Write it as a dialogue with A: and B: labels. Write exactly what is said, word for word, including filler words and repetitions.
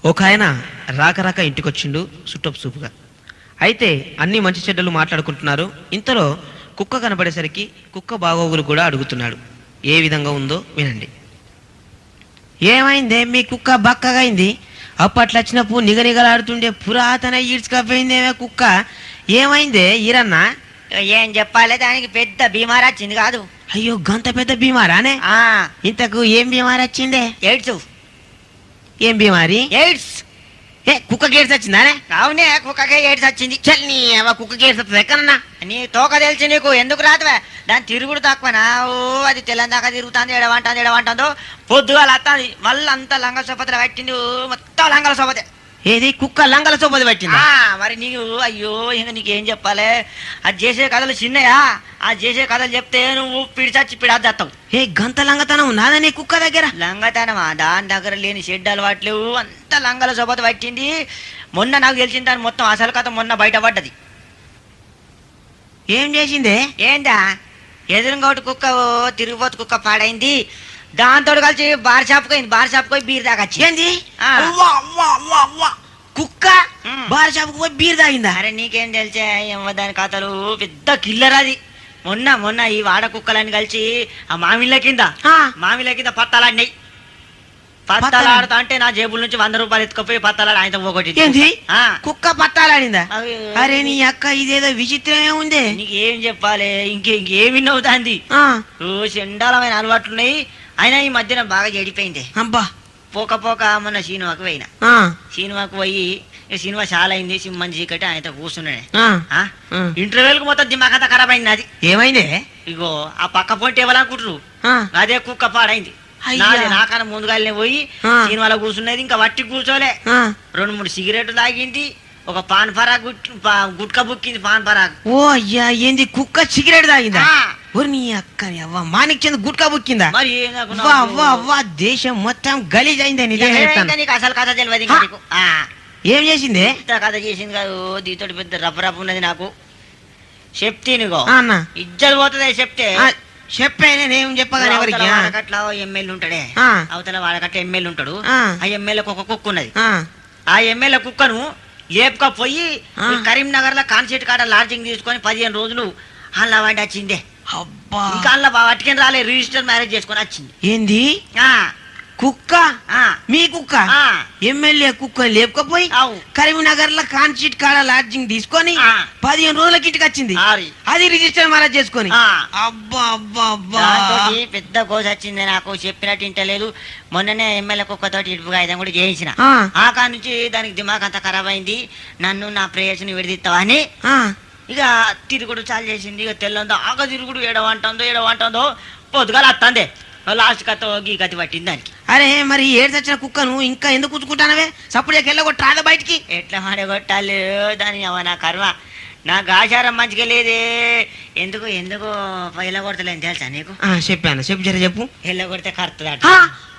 A: ఒక ఆయన రాక రాక ఇంటికొచ్చిండు సుట్టపు సూపుగా. అయితే అన్ని మంచి చెడ్డలు మాట్లాడుకుంటున్నారు. ఇంతలో కుక్క కనబడేసరికి కుక్క బాగోగులు కూడా అడుగుతున్నాడు. ఏ విధంగా ఉందో వినండి. ఏమైందే మీ కుక్క బక్కగా అయింది? అప్పట్లో వచ్చినప్పుడు నిగనిగలాడుతుండే పురాతన ఈడ్చుకపోయిందేమే కుక్క. ఏమైందే ఈరన్నా?
B: ఏం చెప్పాలి, దానికి పెద్ద బీమార్ వచ్చింది కాదు.
A: అయ్యో గంత పెద్ద బీమారానే?
B: ఆ
A: ఇంతకు ఏం బీమారి వచ్చిందే?
B: ఎయిడ్స్.
A: ఏం బీమారి?
B: ఎయిడ్స్.
A: ఏ కుక్కకి ఎయిడ్స్ వచ్చిందానే?
B: అవునే, కుక్కకే ఎయిడ్స్ వచ్చింది.
A: చల్ని కుక్కకి ఎయిడ్స్ వస్తుంది ఎక్కడన్నా?
B: నీ తోక తెలిసి నీకు ఎందుకు రాదువే? దాని తిరుగుడు తక్కువనా? ఓ అది తెల్లందాకా తిరుగుతుంది, ఎడవంటుంది ఎడవంటుందో పొద్దుగా వస్తుంది. మళ్ళీ అంతా లంగ సోపతలు పట్టింది, మొత్తం లంగల సోపతే.
A: ఏది కుక్క లంగల సోపతి పట్టిందా?
B: మరి నీకు అయ్యో ఇంకా నీకేం చెప్పాలి? అది చేసే కథలు చిన్నయా? ఆ చేసే కథలు చెప్తే నువ్వు పిడిచచ్చి పిడాద్దావు.
A: ఏ గంత లంగతనం నాదా నీ కుక్క దగ్గర?
B: లంగతనమా? దాని దగ్గర లేని షెడ్ అలవాట్లేవు, అంత లంగల సోపత పట్టింది. మొన్న నాకు తెలిసింది దాని మొత్తం అసలు కథ మొన్న బయటపడ్డది.
A: ఏం చేసిందే?
B: ఏందా ఎదురుగోటి కుక్క తిరిగిపోతు కుక్క పాడైంది. దాంతో కలిసి బార్ షాప్ పోయింది. బార్ షాప్ పోయి బీర్ తాగచ్చి.
A: ఏంది కుక్క బార్ షాప్ పోయి బీర్ తాగిందా?
B: అరే నీకేం తెలిసే ఏమో దాని కథలు, పెద్ద కిల్లర్ అది. మొన్న మొన్న ఈ వాడ కుక్కలని కలిసి ఆ మామిళ్ళ కింద మామిళ్ళ కింద పత్తాలాడినాయి. పత్తాలాడుతా అంటే నా జేబుల నుంచి వంద రూపాయలు ఎత్తుకపోయి పత్తాలాడి ఆయన పోగొట్టి.
A: ఏంది కుక్క పత్తాలాడిందా? అరే నీ అక్క ఇదేదో విచిత్రమే ఉంది.
B: నీకు ఏం చెప్పాలి, ఇంకే ఇంకేమి నవ్వుతాంది. చండాలమైన అలవాట్లున్నాయి. అయినా ఈ మధ్యన బాగా చెడిపోయింది.
A: అబ్బా
B: పోక పోక మొన్న సినిమాకు పోయినా. సినిమాకు పోయి సినిమా చాలా అయింది, మంచి చీకటి ఆయన కూర్చున్నాడే. ఇంటర్వెల్ కు మొత్తం దిమాకంతా ఖరాబ్ అయింది. అది ఏమైంది? ఇగో ఆ పక్క పొంటి ఇవ్వాలనుకుంటారు, అదే కుక్క పాడైంది. నాకన్నా ముందుగా పోయి సినిమాలో కూర్చున్నది, ఇంకా వట్టి కూర్చోలే. రెండు మూడు సిగరెట్లు తాగింది, ఒక పాన్ పరాగ్ గుట్కా బుక్కింది. పాన్ పరాగ్.
A: ఓ అయ్యా ఏంది కుక్క సిగరెట్ తాగిందా? నీ అక్క అవ్వ మాణిక్చంద్ గుట్కా బుక్కిందా?
B: మరి
A: దేశం మొత్తం గలీజ్ అయిందని
B: అసలు కథ తెలియదు.
A: ఏం చేసింది?
B: కథ చేసింది కాదు, దీంతో పెద్ద రఫ్ రఫ్ ఉన్నది. నాకు చెప్తీనిగో ఇజ్జలు పోతుంది చెప్తే.
A: చెప్పే నేనేం చెప్పగానే
B: వాడకట్ల ఎమ్మెల్యే ఉంటాడే, అవతల వాడకట్ల ఎమ్మెల్యే ఉంటాడు. ఆ ఎమ్మెల్యేకి ఒక కుక్క ఉన్నది. ఆ ఎమ్మెల్యే కుక్కను లేపుకపోయి కరీంనగర్ లో కాన్సెట్ కాడ లాడ్జింగ్ తీసుకొని పదిహేను రోజులు అలా వాడి వచ్చిందే. ఇంకా అలా వాటికని రాలే, రిజిస్టర్ మ్యారేజ్ చేసుకొని వచ్చింది.
A: ఏంది కుక్క? మీ కుక్క ఎమ్మెల్యే కుక్క లేపుకపోయి కరీంనగర్ లో కాన్సెట్ కాడ లాడ్జింగ్ తీసుకొని పదిహేను రోజులకి ఇంటికి వచ్చింది. అది రిజిస్టర్ మ్యారేజ్ చేసుకొని. అబ్బా అబ్బా అబ్బా
B: పెద్ద కోస వచ్చింది. నాకు చెప్పినట్టు ఇంటలేదు. మొన్ననే ఎమ్మెల్యే కుక్కతోటి ఇటుపుగా ఐదు కూడా చేయించిన. ఆ కాడ నుంచి దానికి దిమాగ్ అంతా ఖరాబ్ అయింది. నన్ను నా ప్రేయస్ని విడదీస్తావా అని ఇక తిరుగుడు చాలు చేసింది. ఇక తెల్లందో ఆగ తిరుగుడు ఎడవంటుందో ఎడవంటుందో పొద్దుగాల వస్తుంది. లాస్ట్ కథ గీ గతి పట్టింది దానికి.
A: అరే మరి ఏడు తెచ్చిన కుక్కను ఇంకా ఎందుకు కూర్చుకుంటానవే? సప్పుడు వెళ్ళగొట్టాలి బయటికి.
B: ఎట్లా మాడగొట్టాలి దాని నా కర్మ. నాకు ఆచారం మంచిగా లేదే. ఎందుకు ఎందుకు వెళ్ళగొడతలేని తెలుసా నీకు?
A: చెప్పాను చెప్పు జర చెప్పు.
B: వెళ్ళగొడితే కరుతుంది.